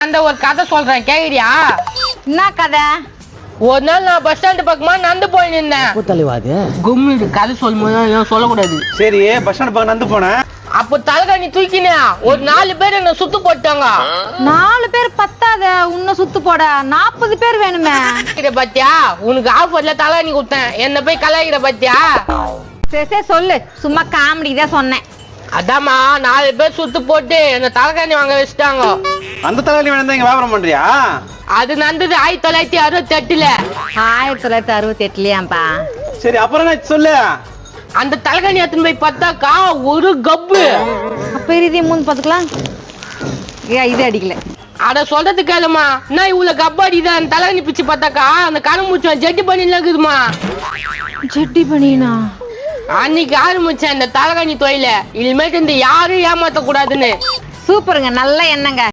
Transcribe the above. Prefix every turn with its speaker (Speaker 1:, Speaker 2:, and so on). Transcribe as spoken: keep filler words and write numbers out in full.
Speaker 1: அந்த ஒரு கதை சொல்றேன் கேக்குறியா?
Speaker 2: என்ன கதை?
Speaker 1: ஒரு நாள் நான் பஸ் ஸ்டாண்டு பக்கமா நடந்து போய் நின்றேன். கும்மிடு கதை சொல்லும் போது சொல்லக்கூடாது.
Speaker 3: சரி, பஸ் ஸ்டாண்ட் பக்கம் நடந்து போனேன்.
Speaker 1: அப்போ தலைகாணி தூக்கினே ஒரு நாலு பேர் என்ன சுத்து போட்டாங்க.
Speaker 2: நாலு பேர் பத்தாத, உன்ன சுத்து போட நாற்பது பேர் வேணுமே.
Speaker 1: பாத்தியா, உனக்கு ஆஃபர்ல தலைகாணி கொடுத்தேன், என்ன போய் கலாய்கிற பாத்தியா?
Speaker 2: சரி சரி சொல்லு, சும்மா காமெடி தான் சொன்னேன்.
Speaker 1: அதாம்மா, நாலு பேர் சுத்து போட்டு என்ன தலைகாணி வாங்க வச்சுட்டாங்க.
Speaker 3: அந்த தலைவலி வேணும் இங்க வியாபாரம் பண்றியா?
Speaker 1: அது நடந்தது ஆயிரத்தி தொள்ளாயிரத்தி அறுபத்தி எட்டுல.
Speaker 2: ஆயிரத்தி தொள்ளாயிரத்தி அறுபத்தி எட்டுலயாம்பா?
Speaker 3: சரி, அப்புறம் என்ன சொல்லு.
Speaker 1: அந்த தலைகாணி எடுத்துன்னு போய் பார்த்தாக்கா ஒரு கப்பு.
Speaker 2: அப்ப இதே மூணு பாத்துக்கலாம். இது அடிக்கல.
Speaker 1: அட சொல்றது கேளுமா, நான் இவ்வளவு கப்பு அடிதான் தலைகாணி பிச்சு பார்த்தாக்கா அந்த கணமுச்சம் ஜெட்டி பண்ணிலாம் இருக்குதுமா.
Speaker 2: ஜெட்டி பண்ணினா
Speaker 1: அன்னைக்கு ஆரம்பிச்சேன் இந்த தலைகாணி தொழில. இனிமேட்டு இந்த யாரும் ஏமாத்த கூடாதுன்னு.
Speaker 2: சூப்பருங்க, நல்ல எண்ணங்க.